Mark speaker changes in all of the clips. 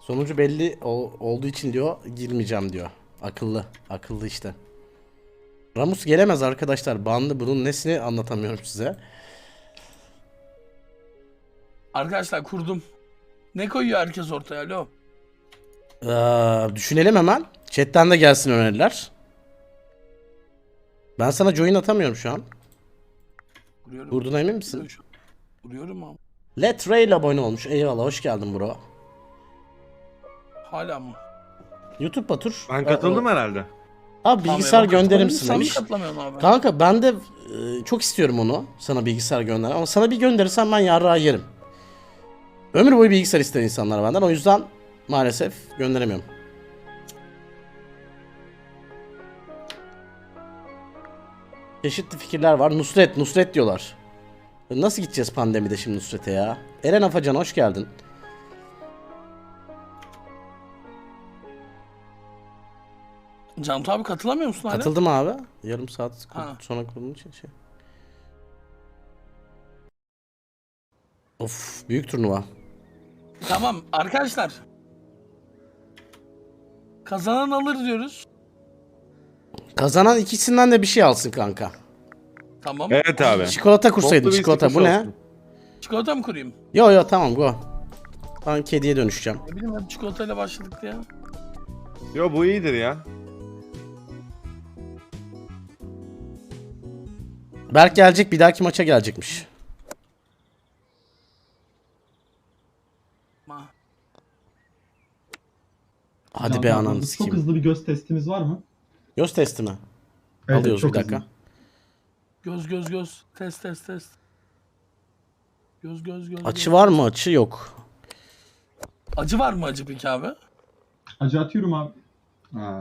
Speaker 1: Sonucu belli olduğu için diyor girmeyeceğim diyor. Akıllı. Akıllı işte. Ramus gelemez arkadaşlar. Banlı, bunun nesini anlatamıyorum size.
Speaker 2: Arkadaşlar kurdum. Ne koyuyor herkes ortaya alo?
Speaker 1: Düşünelim hemen. Chat'ten de gelsin öneriler. Ben sana join atamıyorum şu an.
Speaker 2: Vuruyorum.
Speaker 1: Kurduğuna emin misin?
Speaker 2: Vuruyorum ama.
Speaker 1: Let Ray ile abone olmuş. Eyvallah, hoş geldin bro.
Speaker 2: Hala mı?
Speaker 1: YouTube Batur.
Speaker 3: Ben katıldım herhalde.
Speaker 1: Abi bilgisayar gönderir misin
Speaker 2: Sen mi
Speaker 1: demiş.
Speaker 2: katılamıyorsun abi?
Speaker 1: Kanka ben de çok istiyorum onu. Sana bilgisayar gönder. Ama sana bir gönderirsen ben yarrağı yerim. Ömür boyu bilgisayar ister insanlar benden. O yüzden maalesef gönderemiyorum. Çeşitli fikirler var. Nusret diyorlar. Nasıl gideceğiz pandemide şimdi Nusret'e ya? Eren Afacan hoş geldin.
Speaker 2: Cantu abi katılamıyor musun hala?
Speaker 1: Katıldım abi. Yarım saat
Speaker 2: Ha.
Speaker 1: sonra kurulun için şey. Of, büyük turnuva.
Speaker 2: Tamam arkadaşlar. Kazanan alır diyoruz.
Speaker 1: Kazanan ikisinden de bir şey alsın kanka.
Speaker 2: Tamam.
Speaker 3: Evet abi.
Speaker 1: Çikolata kursaydın,
Speaker 3: Toplu bir
Speaker 1: çikolata. Bu
Speaker 3: istikrar
Speaker 1: ne?
Speaker 3: olsun.
Speaker 2: Çikolata mı kurayım?
Speaker 1: Yo tamam go. Ben kediye dönüşeceğim.
Speaker 2: Ne bileyim hep çikolatayla başladık ya.
Speaker 3: Yo bu iyidir ya.
Speaker 1: Berk gelecek, bir dahaki maça gelecekmiş.
Speaker 2: Ma.
Speaker 1: Hadi be
Speaker 4: Canlı
Speaker 1: ananı
Speaker 4: Çok
Speaker 1: sikeyim.
Speaker 4: hızlı bir göz testimiz var mı?
Speaker 1: Göz testi mi?
Speaker 4: Evet,
Speaker 1: Alıyoruz
Speaker 4: çok
Speaker 1: bir dakika.
Speaker 4: hızlı.
Speaker 2: Göz. Test. Göz.
Speaker 1: Açı var mı? Açı yok.
Speaker 2: Acı var mı acı peki abi?
Speaker 4: Acı atıyorum abi. Ha.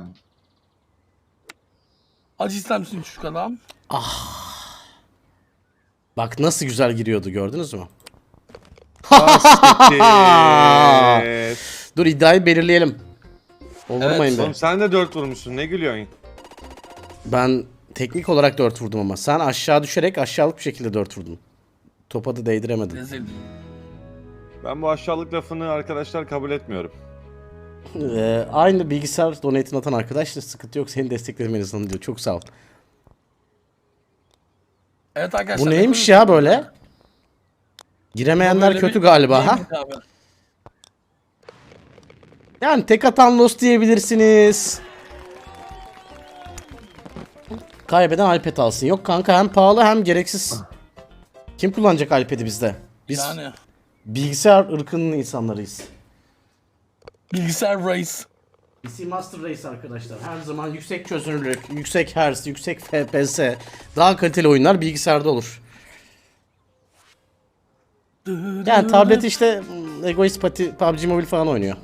Speaker 2: Acı ister misin çocuk adam?
Speaker 1: Bak nasıl güzel giriyordu, gördünüz mü?
Speaker 3: Siktir.
Speaker 1: Dur, iddiayı belirleyelim. Vurmayın
Speaker 3: Oğlum
Speaker 1: be.
Speaker 3: sen de 4 vurmuşsun, ne gülüyorsun?
Speaker 1: Ben teknik olarak 4 vurdum ama sen aşağı düşerek aşağılık bir şekilde 4 vurdun. Topa da değdiremedin.
Speaker 2: Rezil.
Speaker 3: Ben bu aşağılık lafını arkadaşlar kabul etmiyorum.
Speaker 1: Aynı bilgisayar donate'ini atan arkadaş da sıkıntı yok, seni desteklemeniz diyor. Çok sağ ol.
Speaker 2: Evet arkadaşlar.
Speaker 1: Bu neymiş ya böyle? Giremeyenler
Speaker 2: Böyle
Speaker 1: kötü
Speaker 2: bir-
Speaker 1: galiba ha?
Speaker 2: Neymiş abi?
Speaker 1: Yani tek atan lost diyebilirsiniz. Kaybeden iPad alsın. Yok kanka, hem pahalı hem gereksiz. Kim kullanacak iPad'i bizde? Biz
Speaker 2: Yani.
Speaker 1: bilgisayar ırkının insanlarıyız.
Speaker 2: Bilgisayar race.
Speaker 1: PC Master Race arkadaşlar. Her zaman yüksek çözünürlük, yüksek hertz, yüksek FPS, daha kaliteli oyunlar bilgisayarda olur. Yani tablet işte egoist PUBG Mobile falan oynuyor.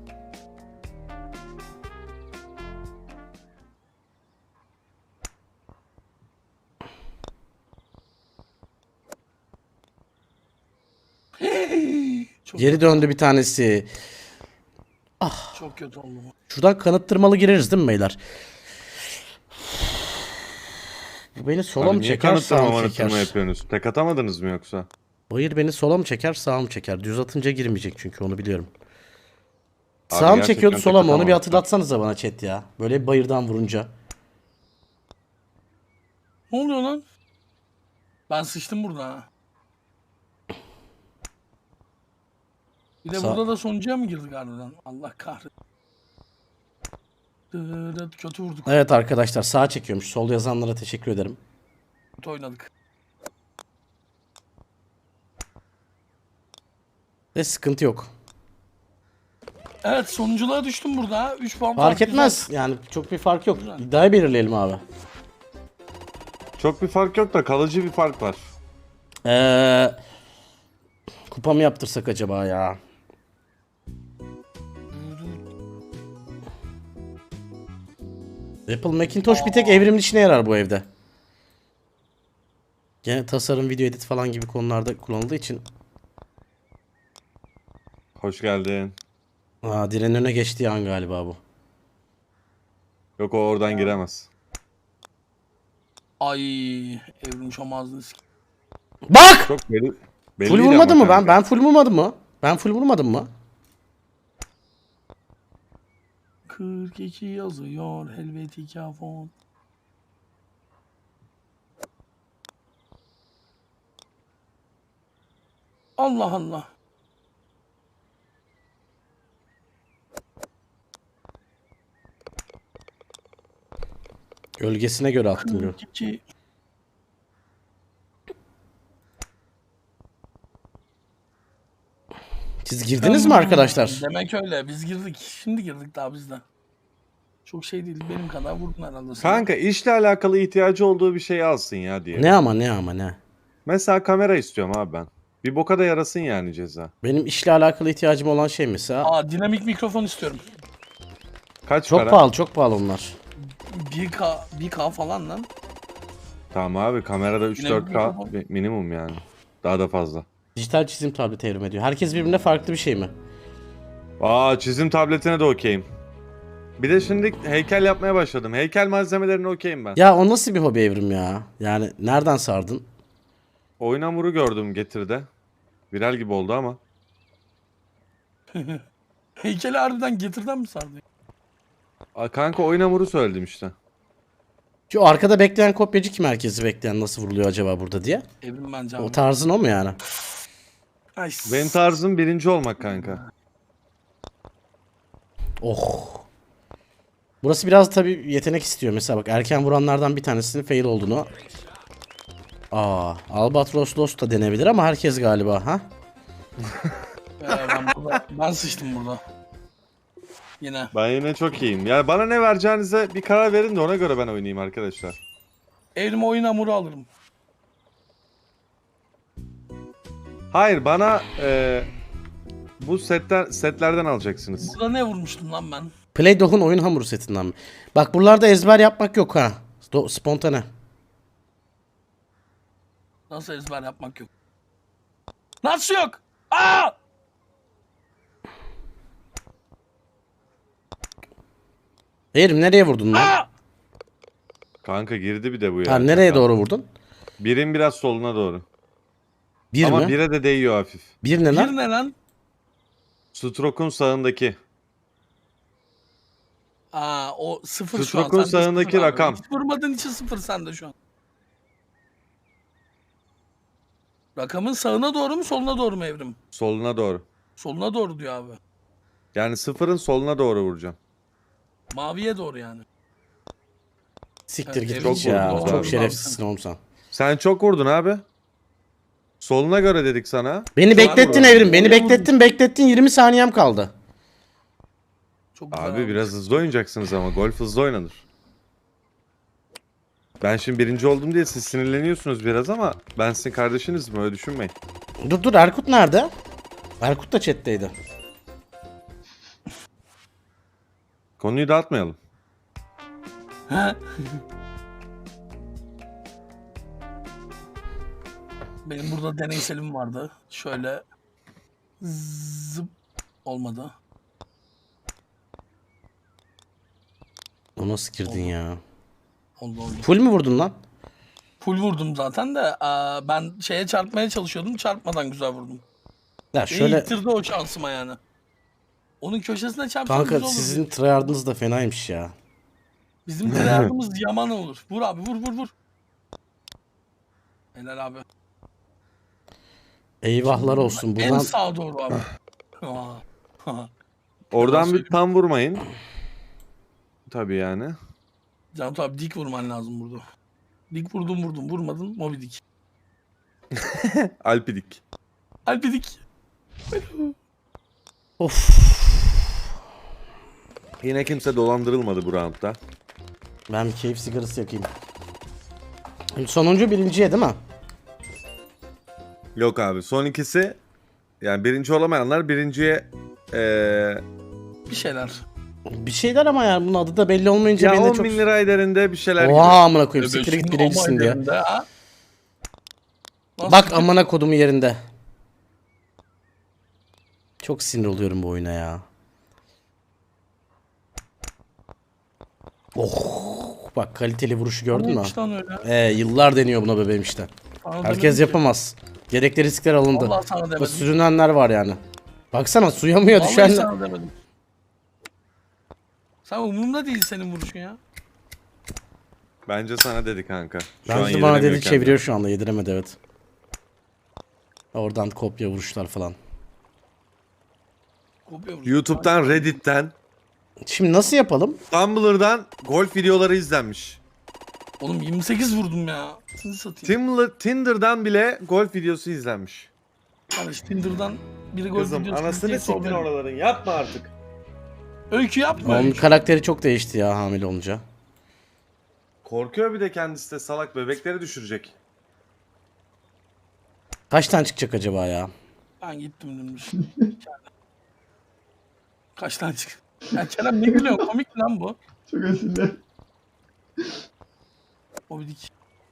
Speaker 2: Çok,
Speaker 1: Geri döndü bir tanesi.
Speaker 2: çok kötü oldu bu.
Speaker 1: Şuradan kanıttırmalı gireriz değil mi beyler? Bu beni sola
Speaker 3: Abi
Speaker 1: mı
Speaker 3: niye
Speaker 1: çeker, sağa
Speaker 3: kanıtlama
Speaker 1: mı
Speaker 3: manıtlama
Speaker 1: çeker?
Speaker 3: yapıyorsunuz? Tek atamadınız mı yoksa?
Speaker 1: Bayır beni sola mı çeker, sağa mı çeker? Düz atınca girmeyecek çünkü, onu biliyorum.
Speaker 3: Abi
Speaker 1: Sağa mı
Speaker 3: gerçekten
Speaker 1: çekiyordu,
Speaker 3: tek
Speaker 1: sola mı? Onu bir
Speaker 3: atamadım.
Speaker 1: hatırlatsanıza bana chat ya. Böyle bayırdan vurunca.
Speaker 2: Ne oluyor lan? Ben sıçtım burada ha. Bir de
Speaker 1: Sağ-
Speaker 2: burada da sonuncuya mı girdik harbiden? Allah kahretsin. Kötü vurduk.
Speaker 1: Evet arkadaşlar, sağa çekiyormuş. Sol yazanlara teşekkür ederim.
Speaker 2: Kötü oynadık.
Speaker 1: Ve sıkıntı yok.
Speaker 2: Evet sonunculuğa düştüm burada ha. 3 puan
Speaker 1: Fark
Speaker 2: güzel.
Speaker 1: etmez. Yani çok bir fark yok.
Speaker 2: Güzel.
Speaker 1: İddiayı belirleyelim abi.
Speaker 3: Çok bir fark yok da kalıcı bir fark var.
Speaker 1: Kupa mı yaptırsak acaba ya? Apple Macintosh bir tek evrimin işine yarar bu evde. Gene tasarım, video edit falan gibi konularda kullanıldığı için.
Speaker 3: Hoş geldin.
Speaker 1: Direnin önüne geçtiği an galiba bu.
Speaker 3: Yok, o oradan giremez.
Speaker 2: Ay evrim şomazlı
Speaker 1: Bak!
Speaker 3: Çok
Speaker 1: Full vurmadım mı ben? Ben full vurmadım mı? Ben full vurmadım mı?
Speaker 2: 42 yazıyor Helvetica font. Allah Allah.
Speaker 1: Gölgesine göre attım diyor.
Speaker 2: 42.
Speaker 1: Siz girdiniz mi arkadaşlar?
Speaker 2: Demek öyle. Biz girdik. Şimdi girdik daha biz de. Çok şey değil. Benim kadar vurdun herhalde. sen.
Speaker 3: Kanka işle alakalı ihtiyacı olduğu bir şey alsın ya diye.
Speaker 1: Ne ama ne ama ne.
Speaker 3: Mesela kamera istiyorum abi ben. Bir boka da yarasın yani ceza.
Speaker 1: Benim işle alakalı ihtiyacım olan şey mesela.
Speaker 2: Aa, dinamik mikrofon istiyorum.
Speaker 3: Kaç
Speaker 1: Çok
Speaker 3: para?
Speaker 1: pahalı, çok pahalı onlar.
Speaker 2: 1K falan lan.
Speaker 3: Tamam abi kamerada
Speaker 2: Yine
Speaker 3: 3-4K
Speaker 2: mikrofon.
Speaker 3: minimum yani. Daha da fazla.
Speaker 1: Dijital çizim tableti evrim ediyor. Herkes birbirine farklı bir şey mi?
Speaker 3: Aa çizim tabletine de okeyim. Bir de şimdi heykel yapmaya başladım. Heykel malzemelerine okeyim ben.
Speaker 1: Ya o nasıl bir hobi evrim ya? Yani nereden sardın?
Speaker 3: Oyun hamuru gördüm Getir'de. Viral gibi oldu ama.
Speaker 2: Heykeli harbiden Getir'den mi sardı?
Speaker 3: Aa, kanka oyun hamuru söyledim işte.
Speaker 1: Şu arkada bekleyen kopyacı kim, herkesi bekleyen nasıl vuruluyor acaba burada diye?
Speaker 2: Evrim bence
Speaker 1: O
Speaker 2: abi.
Speaker 1: tarzın o mu yani?
Speaker 2: Ay,
Speaker 3: Benim tarzım birinci olmak kanka.
Speaker 1: Oh. Burası biraz tabii yetenek istiyor. Mesela bak, erken vuranlardan bir tanesinin fail olduğunu. Albatros Lost da denebilir ama herkes galiba ha?
Speaker 2: ben sıçtım burada. Yine.
Speaker 3: Ben yine çok iyiyim. Yani bana ne vereceğinize bir karar verin de ona göre ben oynayayım arkadaşlar.
Speaker 2: Evrim oyun hamuru alırım.
Speaker 3: Hayır bana bu setlerden alacaksınız.
Speaker 2: Burada ne vurmuştum lan ben?
Speaker 1: Play-Doh'un oyun hamuru setinden mi? Bak buralarda ezber yapmak yok ha. Spontane.
Speaker 2: Nasıl ezber yapmak yok? Nasıl yok? Aa!
Speaker 1: Eğrim nereye vurdun lan?
Speaker 2: Aa!
Speaker 3: Kanka girdi bir de bu ya.
Speaker 1: Ha, nereye doğru vurdun?
Speaker 3: Birin biraz soluna doğru.
Speaker 1: Bir
Speaker 3: Ama
Speaker 1: mi?
Speaker 3: bire de değiyor hafif.
Speaker 1: Bir ne
Speaker 2: Bir
Speaker 1: lan?
Speaker 2: ne lan?
Speaker 3: Stroke'un sağındaki.
Speaker 2: Aa, o sıfır şu an.
Speaker 3: Stroke'un
Speaker 2: Sende
Speaker 3: sağındaki
Speaker 2: sıfır abi.
Speaker 3: rakam.
Speaker 2: Hiç vurmadığın için sıfır sende şu an. Rakamın sağına doğru mu soluna doğru mu Evrim?
Speaker 3: Soluna doğru.
Speaker 2: Soluna doğru diyor abi.
Speaker 3: Yani sıfırın soluna doğru vuracağım.
Speaker 2: Maviye doğru yani.
Speaker 1: Siktir git
Speaker 2: Çok
Speaker 1: hiç ya.
Speaker 3: vurdunuz
Speaker 1: Çok
Speaker 3: abi.
Speaker 1: şerefsizsin oğlum sen.
Speaker 3: Sen çok vurdun abi. Soluna göre dedik sana.
Speaker 1: Beni beklettin
Speaker 2: vurdum.
Speaker 1: Evrim. Beni
Speaker 2: Oraya
Speaker 1: beklettin. 20 saniyem kaldı.
Speaker 2: Çok güzel
Speaker 3: Abi biraz hızlı oynayacaksınız ama golf hızlı oynanır. Ben şimdi birinci oldum diye siz sinirleniyorsunuz biraz ama ben sizin kardeşinizim, öyle düşünmeyin.
Speaker 1: Dur Erkut nerede? Erkut da chat'teydi.
Speaker 3: Konuyu dağıtmayalım.
Speaker 2: He? Benim burada deneyselim vardı. Şöyle zıp olmadı.
Speaker 1: O nasıl girdin ya?
Speaker 2: Oldu.
Speaker 1: Full mü vurdun lan?
Speaker 2: Full vurdum zaten de ben şeye çarpmaya çalışıyordum. Çarpmadan güzel vurdum.
Speaker 1: Ya
Speaker 2: Beni
Speaker 1: şöyle
Speaker 2: ittirdi o şansıma yani. Onun köşesine çarpsam
Speaker 1: kanka,
Speaker 2: güzel olur.
Speaker 1: sizin tryhard'ınız da fenaymış ya.
Speaker 2: Bizim yardımımız yaman olur. Vur abi vur. Helal abi.
Speaker 1: Eyvahlar olsun
Speaker 2: En
Speaker 1: buradan.
Speaker 2: sağa doğru abi.
Speaker 3: Oradan bir
Speaker 2: söyleyeyim.
Speaker 3: tam vurmayın. Tabii yani.
Speaker 2: Can abi dik vurman lazım burada. Dik vurdum vurmadın Moby Dick.
Speaker 3: Alpidik.
Speaker 2: Alpi dik.
Speaker 1: Of.
Speaker 3: Yine kimse dolandırılmadı bu roundda.
Speaker 1: Ben bir keyif sigarası yakayım. Sonuncu birinciye değil mi?
Speaker 3: Yok abi, son ikisi yani birinci olamayanlar birinciye
Speaker 2: Bir şeyler.
Speaker 1: Bir şeyler ama yani bunun adı da belli olmayınca
Speaker 3: ya
Speaker 1: beni de
Speaker 3: 10
Speaker 1: çok...
Speaker 3: bin lira ederinde bir şeyler gibi.
Speaker 1: Oha amına koyayım, siktir git
Speaker 2: Şimdi
Speaker 1: birincisin
Speaker 2: ama
Speaker 1: diye.
Speaker 2: yerinde, ha? Nasıl
Speaker 1: Bak
Speaker 2: fikir?
Speaker 1: amına kodumu yerinde. Çok sinir oluyorum bu oyuna ya. Oh, bak kaliteli vuruşu gördün mü?
Speaker 2: Neymiş lan öyle?
Speaker 1: Yıllar deniyor buna bebeğim işte.
Speaker 2: Sana
Speaker 1: Herkes
Speaker 2: demedim ki.
Speaker 1: yapamaz. Gerekli riskler alındı.
Speaker 2: Vallahi sana
Speaker 1: Bak,
Speaker 2: demedim.
Speaker 1: sürünenler var yani. Baksana, suya muya
Speaker 2: Vallahi
Speaker 1: düşen...
Speaker 2: sana demedim. Sen umurumda değil senin vuruşun ya.
Speaker 3: Bence sana dedi kanka. Şu an
Speaker 1: Bence de bana
Speaker 3: yediremiyor
Speaker 1: dedi,
Speaker 3: kendini.
Speaker 1: çeviriyor şu anda, yediremedi evet. Oradan kopya vuruşlar falan.
Speaker 2: Kopya vuruş.
Speaker 3: YouTube'dan, Reddit'ten,
Speaker 1: Şimdi nasıl yapalım?
Speaker 3: Tumblr'dan golf videoları izlenmiş.
Speaker 2: Oğlum 28 vurdum ya. Seni satayım.
Speaker 3: Tinder'dan bile golf videosu izlenmiş.
Speaker 2: Kardeş Tinder'dan biri gol
Speaker 3: Kızım
Speaker 2: videosu
Speaker 3: anasını
Speaker 2: izleyip
Speaker 3: siktin
Speaker 2: problem.
Speaker 3: oraların, yapma artık.
Speaker 2: Öykü yapma.
Speaker 1: Onun
Speaker 2: Öykü.
Speaker 1: karakteri çok değişti ya hamile olunca.
Speaker 3: Korkuyor bir de kendisi de, salak, bebekleri düşürecek.
Speaker 1: Kaç tane çıkacak acaba ya?
Speaker 2: Ben gittim dönmüş. Kaç tane çık? Ya Kerem ne gülüyorsun? Komik mi lan bu?
Speaker 4: Çok esirler.
Speaker 2: Obidik.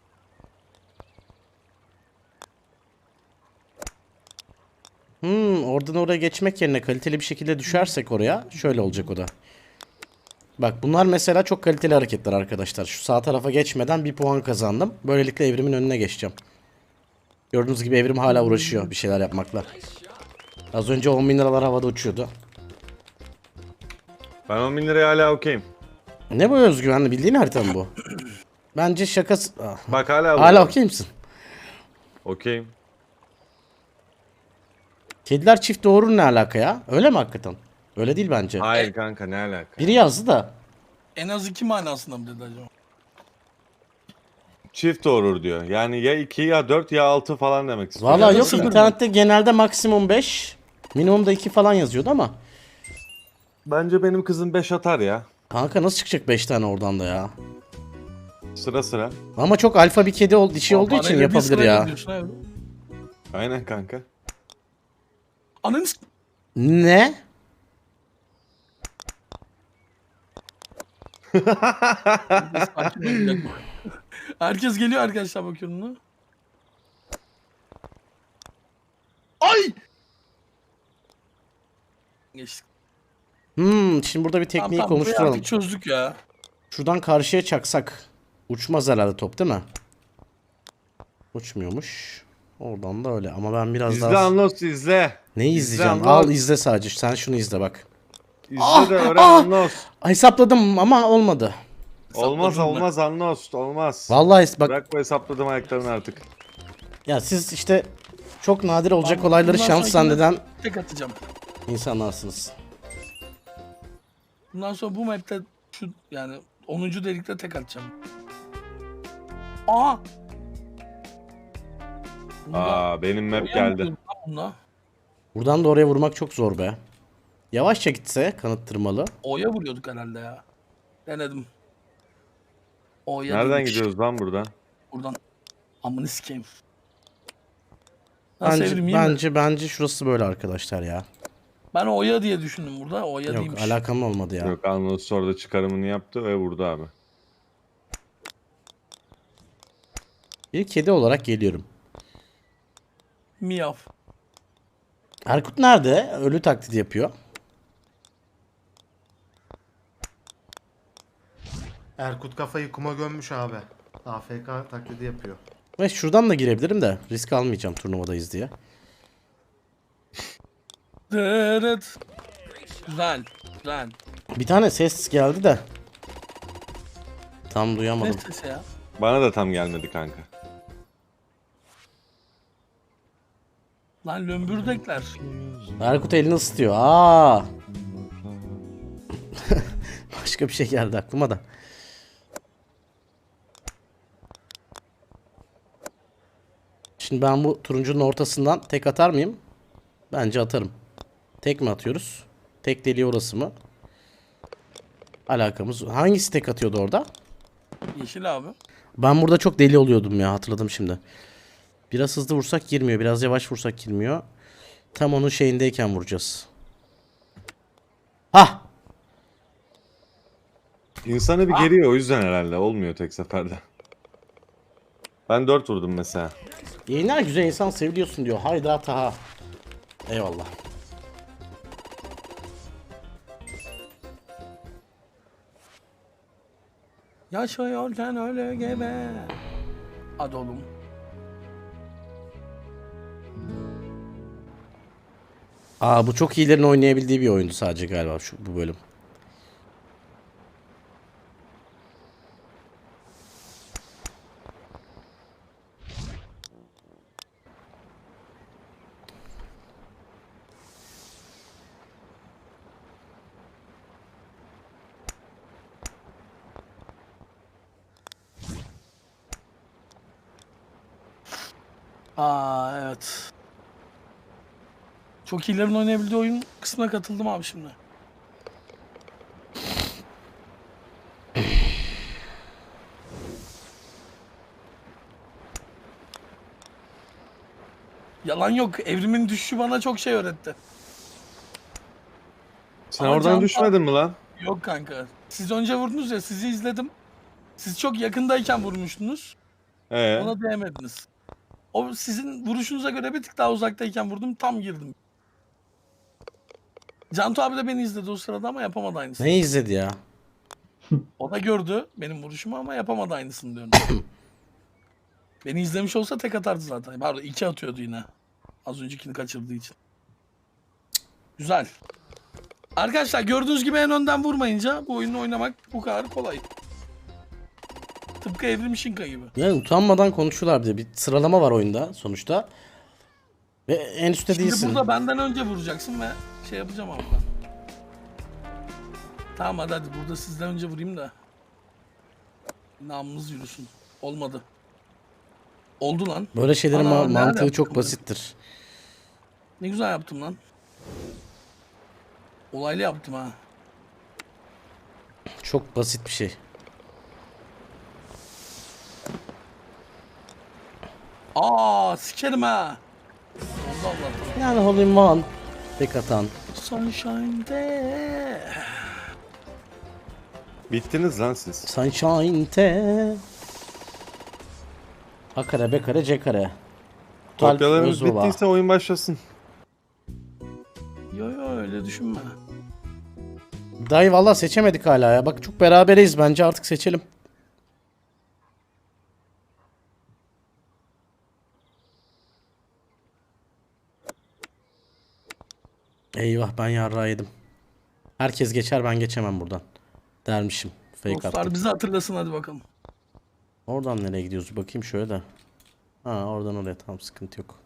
Speaker 1: Oradan oraya geçmek yerine kaliteli bir şekilde düşersek oraya şöyle olacak o da. Bak bunlar mesela çok kaliteli hareketler arkadaşlar. Şu sağ tarafa geçmeden bir puan kazandım. Böylelikle evrimin önüne geçeceğim. Gördüğünüz gibi evrim hala uğraşıyor bir şeyler yapmakla. Az önce 10 bin liralar havada uçuyordu.
Speaker 3: Ben 10 bin liraya hala okeyim.
Speaker 1: Ne bu özgüvenli, bildiğin harita mı bu? Bence şakası... Ah.
Speaker 3: Bak hala
Speaker 1: Hala okey misin?
Speaker 3: Okeyim.
Speaker 1: Kediler çift doğurur ne alaka ya? Öyle mi hakikaten? Öyle değil bence.
Speaker 3: Hayır kanka, ne alaka?
Speaker 1: Biri yazdı da.
Speaker 2: En az 2 manasında mı dedi acaba?
Speaker 3: Çift doğurur diyor. Yani ya 2 ya 4 ya 6 falan demek istiyor.
Speaker 1: Valla yok,
Speaker 2: sıfır mı?
Speaker 1: internette genelde maksimum 5. Minimum da 2 falan yazıyordu ama.
Speaker 3: Bence benim kızım 5 atar ya.
Speaker 1: Kanka nasıl çıkacak 5 tane oradan da ya?
Speaker 3: Sıra sıra.
Speaker 1: Ama çok alfa bir kedi dişi olduğu için
Speaker 2: Parayla bir
Speaker 1: yapabilir
Speaker 2: sırayla
Speaker 1: ya.
Speaker 2: gidiyorsun abi.
Speaker 3: Aynen kanka.
Speaker 2: Ananı s-
Speaker 1: Ne?
Speaker 2: Sakin ol, bir dakika. Herkes geliyor arkadaşlar, bakıyorum da. Ay! Geçtik.
Speaker 1: Şimdi burada bir tekniği
Speaker 2: Tamam, burayı
Speaker 1: konuşturalım.
Speaker 2: artık çözdük ya.
Speaker 1: Şuradan karşıya çaksak. Uçmaz herhalde top değil mi? Uçmuyormuş. Oradan da öyle ama ben biraz
Speaker 3: İzle
Speaker 1: daha...
Speaker 3: Anlos, izle.
Speaker 1: Neyi
Speaker 3: İzle
Speaker 1: izleyeceğim?
Speaker 3: Anlos.
Speaker 1: Al izle sadece. Sen şunu izle bak.
Speaker 3: İzle de öğren Anlos.
Speaker 1: Hesapladım ama olmadı.
Speaker 3: Olmaz
Speaker 2: Hesapladın mı?
Speaker 3: olmaz Anlos, olmaz.
Speaker 1: Vallahi bak
Speaker 3: Bırak bu hesapladım ayaklarını artık.
Speaker 1: ya, siz işte çok nadir olacak
Speaker 2: Tamam,
Speaker 1: olayları
Speaker 2: bundan
Speaker 1: şans
Speaker 2: sonrakine
Speaker 1: zanneden
Speaker 2: Tek atacağım.
Speaker 1: insanlarsınız.
Speaker 2: Bundan sonra bu map'te şu yani 10. delikte tek atacağım. Aa!
Speaker 3: Aa, benim map geldi.
Speaker 2: Bunda.
Speaker 1: Buradan da oraya vurmak çok zor be. Yavaşça gitse kanıt tırmalı.
Speaker 2: O'ya vuruyorduk herhalde ya. Denedim. O'ya
Speaker 3: Nereden
Speaker 2: değilmiş.
Speaker 3: gidiyoruz lan buradan?
Speaker 2: Buradan. Amını sikeyim. Nasıl
Speaker 1: Bence,
Speaker 2: evrim, iyi mi?
Speaker 1: bence şurası böyle arkadaşlar ya.
Speaker 2: Ben O'ya diye düşündüm burada. O'ya
Speaker 1: Yok,
Speaker 2: değilmiş.
Speaker 1: alakam olmadı ya.
Speaker 3: Yok, Anlos orada çıkarımını yaptı ve vurdu abi.
Speaker 1: Bir kedi olarak geliyorum.
Speaker 2: Miyav.
Speaker 1: Erkut nerede? Ölü taklidi yapıyor.
Speaker 5: Erkut kafayı kuma gömmüş abi. AFK taklidi yapıyor.
Speaker 1: Ve şuradan da girebilirim de risk almayacağım turnuvadayız diye.
Speaker 2: Dırıt. Güzel. Güzel.
Speaker 1: Bir tane ses geldi de. Tam
Speaker 2: Ne
Speaker 1: duyamadım.
Speaker 2: sesi ya?
Speaker 3: Bana da tam gelmedi kanka.
Speaker 2: Lan lömbürdekler.
Speaker 1: Erkut elini ısıtıyor. Aa. Başka bir şey geldi aklıma da. Şimdi ben bu turuncunun ortasından tek atar mıyım? Bence atarım. Tek mi atıyoruz? Tek deliği orası mı? Alakamız. Hangisi tek atıyordu orada?
Speaker 2: Yeşil abi.
Speaker 1: Ben burada çok deli oluyordum ya, hatırladım şimdi. Biraz hızlı vursak girmiyor. Biraz yavaş vursak girmiyor. Tam onun şeyindeyken vuracağız. Hah!
Speaker 3: İnsanı bir geriyor, o yüzden herhalde olmuyor tek seferde. Ben 4 vurdum mesela.
Speaker 1: Yayınlar güzel, insan seviliyorsun diyor. Hayda Taha. Eyvallah.
Speaker 2: Yaşıyorken öyle gebe. Hadi oğlum.
Speaker 1: Aa, bu çok iyilerin oynayabildiği bir oyundu sadece galiba bu bölüm.
Speaker 2: Aa evet. Çok iyilerin oynayabildiği oyun kısmına katıldım abi şimdi. Yalan yok. Evrimin düşüşü bana çok şey öğretti.
Speaker 3: Sen
Speaker 2: Ama
Speaker 3: oradan
Speaker 2: Can-
Speaker 3: düşmedin mi lan?
Speaker 2: Yok kanka. Siz önce vurdunuz ya, sizi izledim. Siz çok yakındayken vurmuştunuz. Ona değmediniz. O sizin vuruşunuza göre bir tık daha uzaktayken vurdum, tam girdim. Cantu abi de beni izledi o sırada ama yapamadı aynısını.
Speaker 1: Ne izledi ya?
Speaker 2: O da gördü benim vuruşumu ama yapamadı aynısını diyorum. Beni izlemiş olsa tek atardı zaten. Pardon, 2 atıyordu yine. Az öncekini kaçırdığı için. Güzel. Arkadaşlar gördüğünüz gibi en önden vurmayınca bu oyunu oynamak bu kadar kolay. Tıpkı Evrim Şinka gibi.
Speaker 1: Yani utanmadan konuşuyorlar bir de. Bir sıralama var oyunda sonuçta. Ve en üstte
Speaker 2: Şimdi
Speaker 1: değilsin.
Speaker 2: burada benden önce vuracaksın ve şey yapacağım abi ben. Tamam hadi burada sizden önce vurayım da. Namımız yürüsün. Olmadı. Oldu lan.
Speaker 1: Böyle şeylerin
Speaker 2: Ana, nerede
Speaker 1: mantığı
Speaker 2: yaptım
Speaker 1: çok
Speaker 2: ben?
Speaker 1: basittir.
Speaker 2: Ne güzel yaptım lan. Olaylı yaptım ha.
Speaker 1: Çok basit bir şey.
Speaker 2: Aa sikerim ha. Oldu Allah'tan.
Speaker 1: Yani hole in one. Tek atan.
Speaker 2: Sunshine'de.
Speaker 3: Bittiniz lan siz.
Speaker 1: Sunshine'te. A kare, B kare, C kare. Total
Speaker 3: Kopyalarımız
Speaker 1: Özbaba.
Speaker 3: bittiyse oyun başlasın.
Speaker 2: Yo öyle düşünme.
Speaker 1: Dayı valla seçemedik hala ya. Bak çok beraberiz, bence artık seçelim. Eyvah, ben yarrağı yedim. Herkes geçer, ben geçemem buradan. Dermişim. Fake
Speaker 2: Dostlar
Speaker 1: attım.
Speaker 2: bizi hatırlasın hadi bakalım.
Speaker 1: Oradan nereye gidiyoruz? Bakayım şöyle de. Ha, oradan oraya, tamam, sıkıntı yok.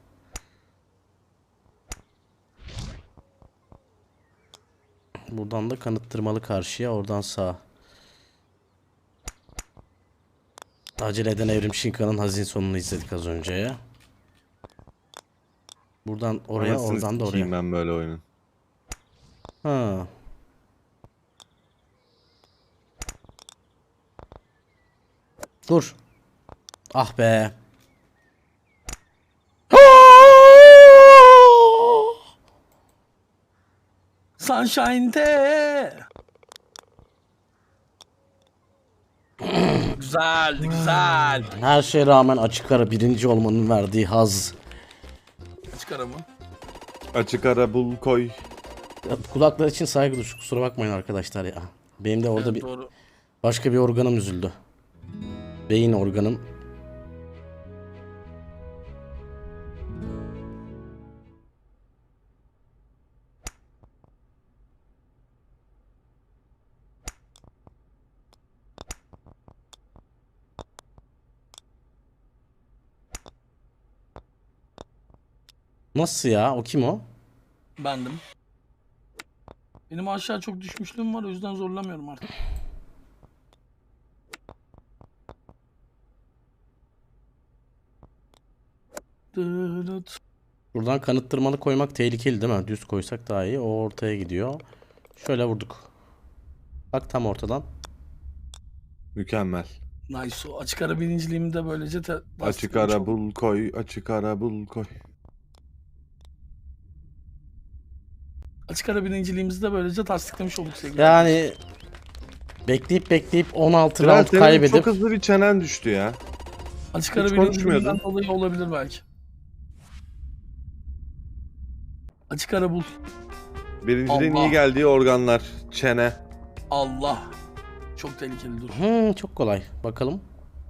Speaker 1: Buradan da kanıttırmalı karşıya, oradan sağa. Acele eden Evrim Şinka'nın hazin sonunu izledik az önce ya. Buradan oraya,
Speaker 3: Anasını
Speaker 1: oradan da
Speaker 3: sikeyim
Speaker 1: oraya.
Speaker 3: ben böyle oyunun.
Speaker 1: Ha. Dur. Ah be.
Speaker 2: Sunshine'de. Güzeldi güzel.
Speaker 1: Her şeye rağmen açık ara birinci olmanın verdiği haz.
Speaker 2: Çıkar ama.
Speaker 3: Açık ara bul koy.
Speaker 1: Ya, kulaklar için saygı duş. Kusura bakmayın arkadaşlar ya. Benim de orada
Speaker 2: Evet,
Speaker 1: bir
Speaker 2: doğru.
Speaker 1: başka bir organım üzüldü. Beyin organım. Nasıl ya? O kim o?
Speaker 2: Bendim. Benim aşağı çok düşmüşlüğüm var o yüzden zorlamıyorum artık. Dırıt.
Speaker 1: Buradan kanıttırmalı koymak tehlikeli değil mi? Düz koysak daha iyi. O ortaya gidiyor. Şöyle vurduk. Bak tam ortadan.
Speaker 3: Mükemmel.
Speaker 2: Nice o. Açık ara birinciliğimi de böylece
Speaker 3: Açık
Speaker 2: tasdiklemiş
Speaker 3: ara
Speaker 2: oldum.
Speaker 3: bul koy. Açık ara bul koy.
Speaker 2: Açık ara birinciliğimizi de böylece tasdiklemiş olduk sevgili.
Speaker 1: Yani bekleyip 16
Speaker 3: Bilal,
Speaker 1: round
Speaker 3: senin
Speaker 1: kaybedip
Speaker 3: çok hızlı bir çenen düştü ya.
Speaker 2: Açık ara
Speaker 3: hiç
Speaker 2: birinciliğimden
Speaker 3: konuşmuyordun.
Speaker 2: dolayı olabilir belki. Açık ara bul.
Speaker 3: Birinciliğin
Speaker 2: Allah.
Speaker 3: iyi geldiği organlar. Çene.
Speaker 2: Allah. Çok tehlikeli dur.
Speaker 1: çok kolay. Bakalım.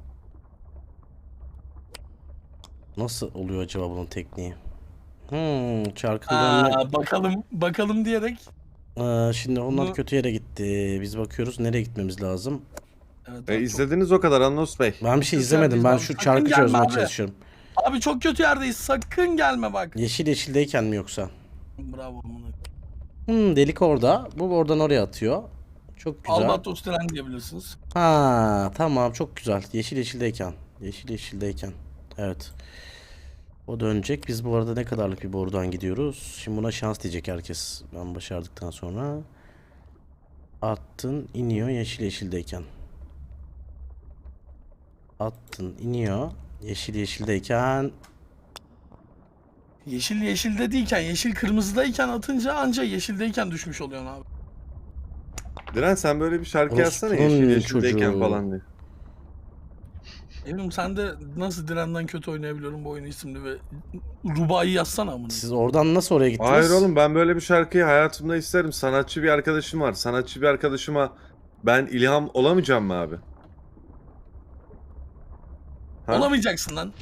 Speaker 1: Nasıl oluyor acaba bunun tekniği? Çarkın dönme.
Speaker 2: Bakalım diyerek.
Speaker 1: Şimdi onlar
Speaker 2: Bunu-
Speaker 1: kötü yere gitti. Biz bakıyoruz nereye gitmemiz lazım.
Speaker 2: Evet, abi, çok-
Speaker 3: İzlediniz o kadar Anlos Bey.
Speaker 1: Ben bir şey
Speaker 2: Kötü
Speaker 1: izlemedim.
Speaker 2: yerdeyiz
Speaker 1: Ben
Speaker 2: abi.
Speaker 1: şu
Speaker 2: Sakın
Speaker 1: çarkı
Speaker 2: gelme
Speaker 1: çözmeye
Speaker 2: abi.
Speaker 1: çalışıyorum.
Speaker 2: Abi çok kötü yerdeyiz. Sakın gelme bak.
Speaker 1: Yeşildeyken mi yoksa?
Speaker 2: Bravo amına.
Speaker 1: Delik orada. Bu oradan oraya atıyor. Çok güzel.
Speaker 2: Albatros tren diyebilirsiniz.
Speaker 1: Ha, tamam, çok güzel. Yeşildeyken. Evet. O dönecek. Biz bu arada ne kadarlık bir borudan gidiyoruz? Şimdi buna şans diyecek herkes. Ben başardıktan sonra. Attın, iniyor yeşil yeşildeyken. Attın, iniyor. Yeşil yeşildeyken.
Speaker 2: Yeşil yeşilde değilken, yeşil kırmızıdayken atınca anca yeşildeyken düşmüş oluyorsun abi.
Speaker 3: Diren sen böyle bir şarkı yazsana
Speaker 1: Orospunun
Speaker 3: yeşil yeşildeyken
Speaker 1: çocuğu.
Speaker 3: falan diye.
Speaker 2: Eminim sen de nasıl Diren'den kötü oynayabiliyorum bu oyunu isimli ve Rubai yazsana amına.
Speaker 1: Siz oradan nasıl oraya gittiniz?
Speaker 3: Hayır oğlum ben böyle bir şarkıyı hayatımda isterim. Sanatçı bir arkadaşım var. Sanatçı bir arkadaşıma ben ilham olamayacağım mı abi? Ha?
Speaker 2: Olamayacaksın lan.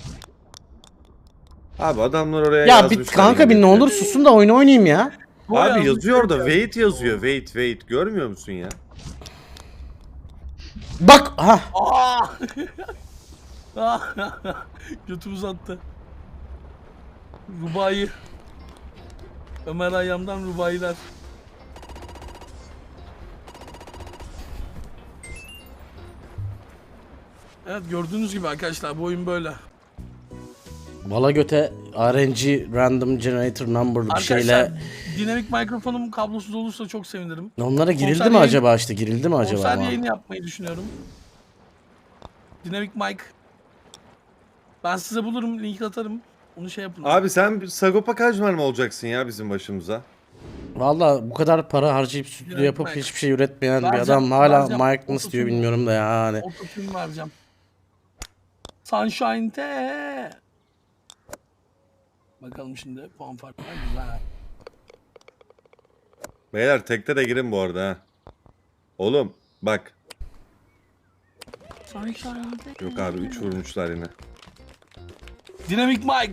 Speaker 3: Abi adamlar oraya
Speaker 1: Ya bir
Speaker 3: yazmışlar.
Speaker 1: kanka bir ne
Speaker 3: İngilizce.
Speaker 1: olur susun da oyunu oynayayım ya.
Speaker 2: Bu
Speaker 3: Abi
Speaker 2: yazmış,
Speaker 3: yazıyor da
Speaker 2: yazmış.
Speaker 3: wait yazıyor. Wait. Görmüyor musun ya?
Speaker 1: Bak ha.
Speaker 2: Aa! Götü uzattı. Rubai. Ömer Hayyam'dan Rubailer. Evet gördüğünüz gibi arkadaşlar bu oyun böyle.
Speaker 1: Bala göte RNG Random Generator Number'lı bir
Speaker 2: Arkadaşlar
Speaker 1: şeyle.
Speaker 2: dinamik mikrofonum kablosuz olursa çok sevinirim.
Speaker 1: Onlara girildi
Speaker 2: konser
Speaker 1: mi
Speaker 2: yayın-
Speaker 1: acaba işte? Girildi mi acaba?
Speaker 2: Konser
Speaker 1: ama?
Speaker 2: yayını yapmayı düşünüyorum. Dinamik mic. Ben size bulurum, link atarım. Onu şey yapın.
Speaker 3: Abi sen bir Sagopa Kajmer mi olacaksın ya bizim başımıza?
Speaker 1: Valla bu kadar para harcayıp stüdyo
Speaker 2: Dinamik
Speaker 1: yapıp
Speaker 2: mic.
Speaker 1: hiçbir şey üretmeyen bir
Speaker 2: Vereceğim,
Speaker 1: adam hala
Speaker 2: vereceğim.
Speaker 1: Mike nasıl diyor
Speaker 2: Ototune-
Speaker 1: bilmiyorum da yani.
Speaker 2: Ototune vereceğim. Sunshine te. Bakalım şimdi puan farkı var. Güzel.
Speaker 3: Beyler tekte de girin bu arada ha. Oğlum bak.
Speaker 2: Sunshine te.
Speaker 3: Yok abi 3 vurmuşlar yine.
Speaker 2: Dinamik mic.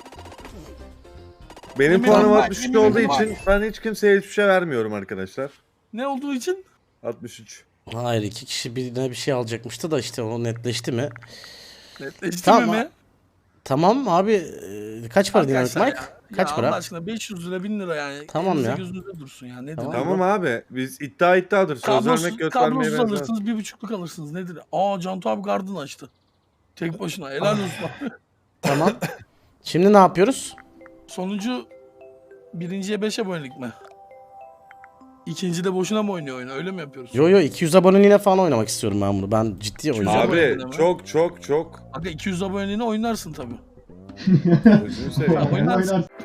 Speaker 3: Benim
Speaker 2: Emin
Speaker 3: puanım
Speaker 2: ol bak,
Speaker 3: 63
Speaker 2: emin
Speaker 3: olduğu
Speaker 2: ol
Speaker 3: için ben hiç kimseye hiçbir şey vermiyorum arkadaşlar.
Speaker 2: Ne olduğu için?
Speaker 3: 63.
Speaker 1: Hayır, iki kişi birine bir şey alacakmıştı da işte o netleşti mi?
Speaker 2: Netleşti
Speaker 1: Tamam.
Speaker 2: mi?
Speaker 1: Tamam abi, kaç para dinamik
Speaker 2: Arkadaşlar
Speaker 1: mic?
Speaker 2: ya,
Speaker 1: Kaç
Speaker 2: ya
Speaker 1: para?
Speaker 2: Allah aşkına 500 lira 1000 lira yani.
Speaker 1: Tamam
Speaker 2: Elinize
Speaker 1: ya.
Speaker 2: gözünüze dursun ya. Nedir?
Speaker 1: Tamam.
Speaker 3: Tamam abi biz iddiadır. Söz
Speaker 2: Kablosuz,
Speaker 3: vermek göt vermeye
Speaker 2: kablosuz
Speaker 3: benzemez.
Speaker 2: alırsınız 1.5'luk alırsınız. Nedir? Aa Cantu abi garden açtı. Tek başına helal olsun.
Speaker 1: Tamam. Şimdi ne yapıyoruz?
Speaker 2: Sonuncu birinciye 5 abonelik mi? İkinci de boşuna mı oynuyor oyunu? Öyle mi yapıyoruz?
Speaker 1: Yo 200 aboneliğine falan oynamak istiyorum ben bunu. Ben ciddi oynayacağım.
Speaker 2: Abi.
Speaker 3: Abi çok.
Speaker 2: Aga 200 aboneliğine oynarsın tabii.
Speaker 3: Gözünü seveyim.
Speaker 2: Oynarsın.
Speaker 4: Oynarsın.